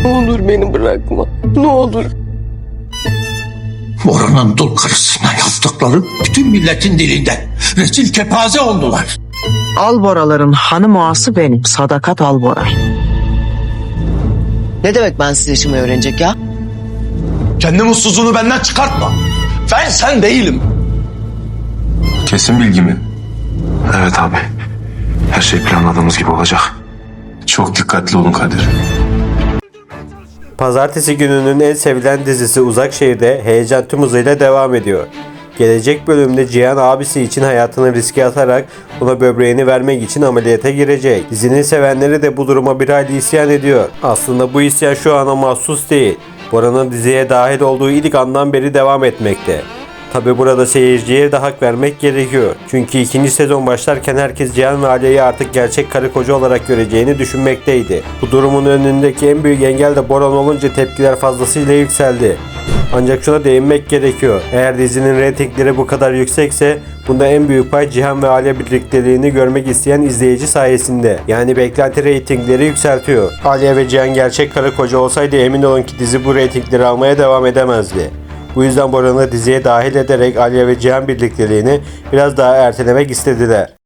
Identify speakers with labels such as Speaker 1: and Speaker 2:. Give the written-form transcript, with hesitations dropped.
Speaker 1: Ne olur beni bırakma. Ne olur.
Speaker 2: Boran'ın dul karısıyla yaptıkları bütün milletin dilinde rezil kepaze oldular.
Speaker 3: Alboraların hanım ağası benim. Sadakat Alboray.
Speaker 1: Ne demek bensiz yaşamayı öğrenecek ya?
Speaker 4: Kendi mutsuzluğunu benden çıkartma. Ben sen değilim.
Speaker 5: Kesin bilgi mi? Evet abi. Her şey planladığımız gibi olacak. Çok dikkatli olun Kadir.
Speaker 6: Pazartesi gününün en sevilen dizisi Uzak Şehir'de heyecan tüm hızıyla devam ediyor. Gelecek bölümde Cihan abisi için hayatını riske atarak ona böbreğini vermek için ameliyata girecek. Dizinin sevenleri de bu duruma bir hayli isyan ediyor. Aslında bu isyan şu ana mahsus değil. Bora'nın diziye dahil olduğu ilk andan beri devam etmekte. Tabi burada seyirciye de hak vermek gerekiyor. Çünkü ikinci sezon başlarken herkes Cihan ve Aliye'yi artık gerçek karı koca olarak göreceğini düşünmekteydi. Bu durumun önündeki en büyük engel de Boran olunca tepkiler fazlasıyla yükseldi. Ancak şuna değinmek gerekiyor. Eğer dizinin reytingleri bu kadar yüksekse bunda en büyük pay Cihan ve Aliye birlikteliğini görmek isteyen izleyici sayesinde. Yani beklenti reytingleri yükseltiyor. Aliye ve Cihan gerçek karı koca olsaydı emin olun ki dizi bu reytingleri almaya devam edemezdi. Bu yüzden Boran'ı diziye dahil ederek Aliye ve Cihan birlikteliğini biraz daha ertelemek istediler.